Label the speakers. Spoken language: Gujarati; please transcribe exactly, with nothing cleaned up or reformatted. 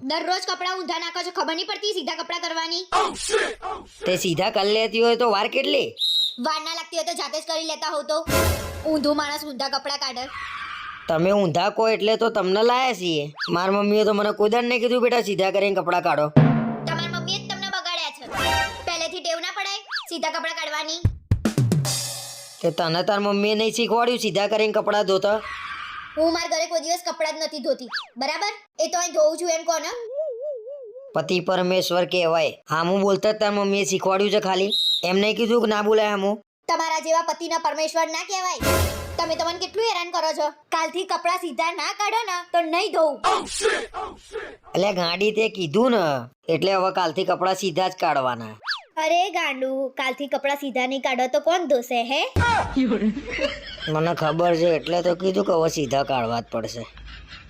Speaker 1: દરરોજ કપડા ઊંધા નાખો છો, ખબર નહીં પડતી સીધા કપડા કરવાની?
Speaker 2: તે સીધા કરી લેતી હોય તો વાર કેટલી?
Speaker 1: વાર ના લાગતી હોય તો જાતે જ કરી લેતા હોવ તો. ઊંધું માણસ ઊંધા કપડા કાઢે.
Speaker 2: તમે ઊંધા કહો એટલે તો તમને લાયા છીએ. મારી મમ્મીએ તો મને કોઈ દાડ નહીં કીધું બેટા સીધા કરીને કપડાં કાઢો.
Speaker 1: તમારી મમ્મીએ જ તમને બગાડ્યા છે. પહેલેથી ટેવ ના પડાય સીધા કપડા કાઢવાની?
Speaker 2: તે તને તાર મમ્મીએ નહીં શીખવાડ્યું સીધા કરીને કપડાં ધોતા?
Speaker 1: હું મારા ઘરે કોઈ દિવસ કપડાં જ નથી ધોતી, બરાબર? એ તો અહીં ધોઉં છું એમ કહો ને.
Speaker 2: પતિ પરમેશ્વર કહેવાય. હામું બોલતા જ તાર મમ્મીએ શીખવાડ્યું છે ખાલી? એમ નહીં કીધું કે ના બોલાય હામું?
Speaker 1: તમારા જેવા પતિના પરમેશ્વર ના કહેવાય. તમે તો મને કેટલું હેરાન કરો છો. કાલથી કપડાં સીધા ના કાઢો ને તો નહીં ધોઉં.
Speaker 2: એટલે ગાડી તે કીધું ને એટલે હવે કાલથી કપડાં સીધા જ કાઢવાના.
Speaker 1: અરે ગાંડુ, કાલથી કપડાં સીધા નહીં કાઢો તો કોણ ધોશે હે?
Speaker 2: મને ખબર છે એટલે તો કીધું કે હવે સીધા કાઢવા જ પડશે.